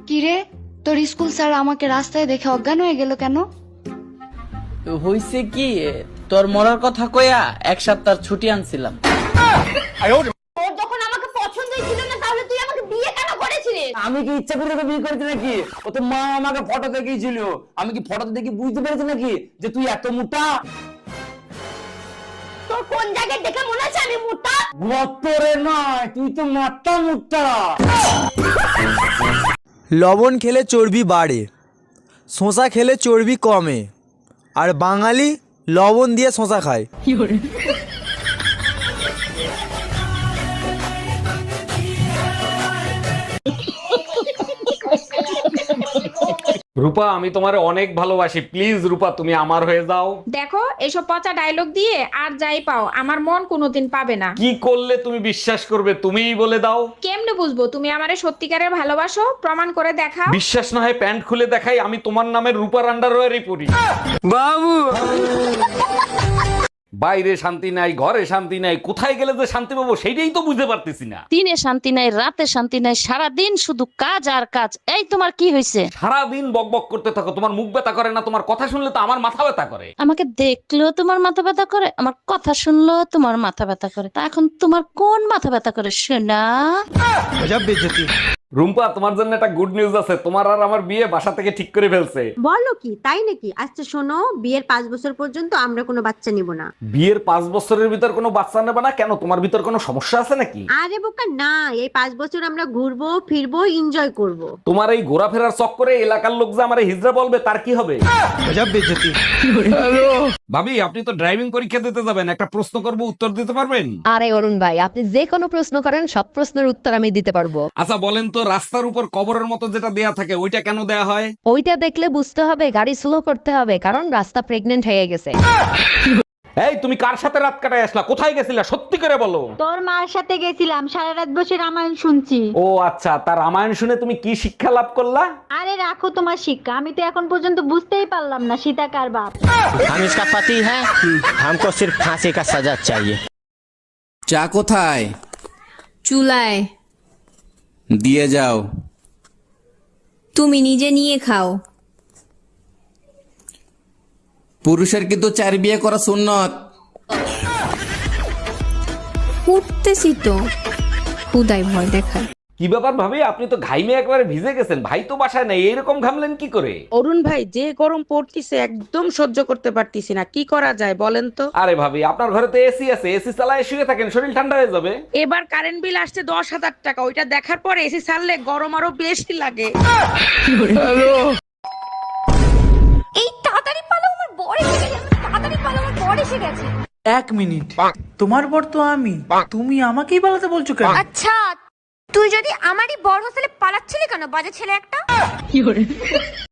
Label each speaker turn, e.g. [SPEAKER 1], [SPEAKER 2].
[SPEAKER 1] কিরে, তোর school sir আমাকে রাস্তায় দেখে অজ্ঞান হয়ে গেল কেন?
[SPEAKER 2] হইছে কি, তোর মরার কথা কইয়া এক সপ্তাহ ছুটি আনছিলাম।
[SPEAKER 3] তোর যখন আমাকে পছন্দই ছিল না তাহলে তুই আমাকে বিয়ে কেন করেছিলিস?
[SPEAKER 4] আমি কি ইচ্ছা করে তোকে বিয়ে করেছি নাকি? ও তো মা আমাকে ফটো দেখিয়েছিল। আমি কি ফটো দেখে বুঝতে পেরেছি নাকি যে তুই এত মোটা?
[SPEAKER 3] তোর কোন জায়গায় দেখে মনে হচ্ছে আমি মোটা?
[SPEAKER 4] গতরে নয়, তুই তো মাথা মোটা।
[SPEAKER 5] লবণ খেলে চর্বি বাড়ে, শসা খেলে চর্বি কমে, আর বাঙালি লবণ দিয়ে শসা খায়।
[SPEAKER 6] রূপা, আমি তোমারে অনেক ভালোবাসি, প্লিজ রূপা তুমি আমার হয়ে যাও।
[SPEAKER 7] দেখো এসব পচা ডায়লগ দিয়ে আর যাই পাও আমার মন কোনোদিন পাবে না।
[SPEAKER 6] কি করলে তুমি বিশ্বাস করবে, তুমিই বলে দাও।
[SPEAKER 7] কেমনে বুঝবো তুমি আমারে সত্যিকারের ভালোবাসো? প্রমাণ করে দেখাও।
[SPEAKER 6] বিশ্বাস না হয় প্যান্ট খুলে দেখাই, আমি তোমার নামে রূপার আন্ডারওয়্যারই পরি।
[SPEAKER 4] বাবু,
[SPEAKER 6] বাইরে শান্তি নাই, ঘরে শান্তি নাই, কোথায় গেলে যে শান্তি পাবো সেটাই তো বুঝতে পারতেছি না।
[SPEAKER 8] দিনে শান্তি নাই, রাতে শান্তি নাই, সারাদিন শুধু কাজ আর কাজ। এই তোমার কি হয়েছে?
[SPEAKER 6] সারাদিন বকবক করতে থাকো, তোমার মুখ ব্যথা করে না? তোমার কথা শুনলে তো আমার মাথা ব্যথা করে।
[SPEAKER 8] আমাকে দেখলেও তোমার মাথা ব্যথা করে, আমার কথা শুনলেও তোমার মাথা ব্যথা করে। তা এখন তোমার কোন মাথা ব্যথা করে শোনা?
[SPEAKER 6] রুম্পা, তোমার জন্য একটা গুড নিউজ আছে, তোমার আর আমার বিয়ে বাসা থেকে ঠিক করে ফেলছে।
[SPEAKER 3] বলো কি, তাই নাকি? আচ্ছা শোনো, বিয়ের 5 বছর পর্যন্ত আমরা কোনো বাচ্চা নিব না।
[SPEAKER 6] বিয়ের 5 বছরের ভিতর কোনো বাচ্চা নেবে না কেন? তোমার ভিতর কোনো সমস্যা আছে নাকি?
[SPEAKER 3] আরে বোকা না, এই 5 বছর আমরা ঘুরবো ফিরবো এনজয় করব।
[SPEAKER 6] তোমার এই ঘোরাফেরার চক্করে এলাকার লোক যে আমারে হিজড়া বলবে তার কি হবে? ভাবি, আপনি তো ড্রাইভিং পরীক্ষা দিতে যাবেন, একটা প্রশ্ন করব, উত্তর দিতে পারবেন?
[SPEAKER 9] আরে অরুণ ভাই, আপনি যে কোনো প্রশ্ন করেন, সব প্রশ্নের উত্তর আমি দিতে পারবো।
[SPEAKER 6] আচ্ছা বলেন তো, রাস্তার উপর কবরের মতো যেটা দেয়া থাকে ওইটা কেন দেয়া হয়?
[SPEAKER 9] ওইটা দেখলে বুঝতে হবে গাড়ি স্লো করতে হবে, কারণ রাস্তা প্রেগনেন্ট হয়ে গেছে।
[SPEAKER 6] এই তুমি কার সাথে রাত কাটায় আসলা? কোথায় গেছিলা সত্যি করে বলো।
[SPEAKER 3] তোর মার সাথে গেছিলাম, সারা রাত বসে রামায়ণ শুনছি।
[SPEAKER 6] ও আচ্ছা, তার রামায়ণ শুনে তুমি কি শিক্ষা লাভ করলা?
[SPEAKER 3] আরে রাখো তোমার শিক্ষা, আমি তো এখন পর্যন্ত বুঝতেই পারলাম না সীতা কার বাপ।
[SPEAKER 10] हम इसका पति है, हमको सिर्फ फांसी का सजा चाहिए।
[SPEAKER 2] চা কোথায়?
[SPEAKER 11] চুলায়।
[SPEAKER 2] দিয়ে যাও।
[SPEAKER 11] তুমি নিজে নিয়ে খাও।
[SPEAKER 2] পুরুষের কিন্তু 4 বিয়ে করা সুন্নত।
[SPEAKER 11] উঠতেছি তো, খুদাই ভয় দেখায়।
[SPEAKER 6] কি ব্যাপার ভাবি, আপনি তো ঘাইমে একেবারে ভিজে গেছেন, ভাই তো বাসায় নাই, এরকম ঘামলেন কি করে?
[SPEAKER 12] অরুণ ভাই, যে গরম পড়তিছে একদম সহ্য করতে পারতিছি না, কি করা যায় বলেন তো?
[SPEAKER 6] আরে ভাবি, আপনার ঘরে তো এসি আছে, এসি চালায় শুয়ে থাকেন, শরীর ঠান্ডা হয়ে যাবে।
[SPEAKER 12] এবার কারেন্ট বিল আসছে 10,000 টাকা, ওইটা দেখার পরে এসি ছাড়লে গরম আরো বেশি লাগে।
[SPEAKER 3] এই তাড়াতাড়ি পালো, আমার বর এসে গেছে। তাড়াতাড়ি পালো, আমার বর এসে গেছে।
[SPEAKER 5] 1 মিনিট, তোমার বর তো আমি, তুমি আমাকেই পালাতে বলছো কেন?
[SPEAKER 3] আচ্ছা, তুই যদি আমারই বর হোস্টেলে পালাচ্ছিলি কেন, বাজে ছেলে একটা?